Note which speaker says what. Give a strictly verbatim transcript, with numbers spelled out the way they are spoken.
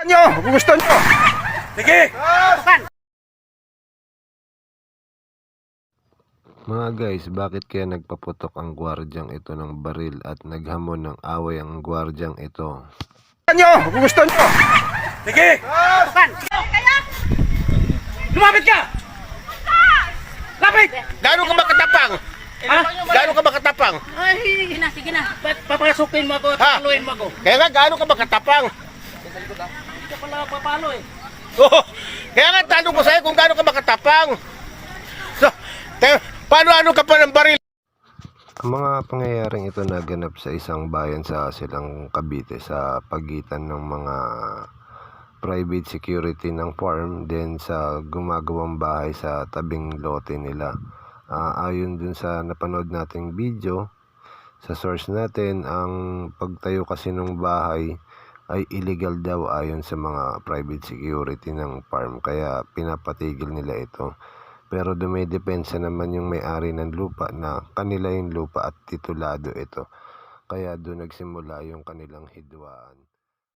Speaker 1: Nyo, kung gusto nyo. Sige!
Speaker 2: Mga guys, bakit kaya nagpaputok ang gwardyang ito ng baril at naghamon ng away ang gwardyang ito?
Speaker 1: Nyo, kung gusto nyo. Sige!
Speaker 3: Lumapit ka! Lapit!
Speaker 1: Gano'n ka ba katapang?
Speaker 3: Ha?
Speaker 1: Gano'n ka ba katapang?
Speaker 3: Ay, sige na, sige na. Ba't papasukin mo ako at
Speaker 1: Ha?
Speaker 3: paluin mo ako?
Speaker 1: Kaya nga, gano'n ka ba katapang?
Speaker 3: Hindi ka pala papalo eh.
Speaker 1: Oo. Kaya nga, tanong ko sa'yo kung gano'n ka ba katapang. So, te, paano ano ka pa ng baril?
Speaker 2: Ang mga pangyayaring ito naganap sa isang bayan sa Silang Cavite sa pagitan ng mga private security ng farm din sa gumagawang bahay sa tabing lote nila. Ah, ayon dun sa napanood nating video, sa source natin, ang pagtayo kasi ng bahay ay illegal daw ayon sa mga private security ng farm, kaya pinapatigil nila ito. Pero dumidepensa naman yung may-ari ng lupa na kanila yung lupa at titulado ito, kaya doon nagsimula yung kanilang hidwaan.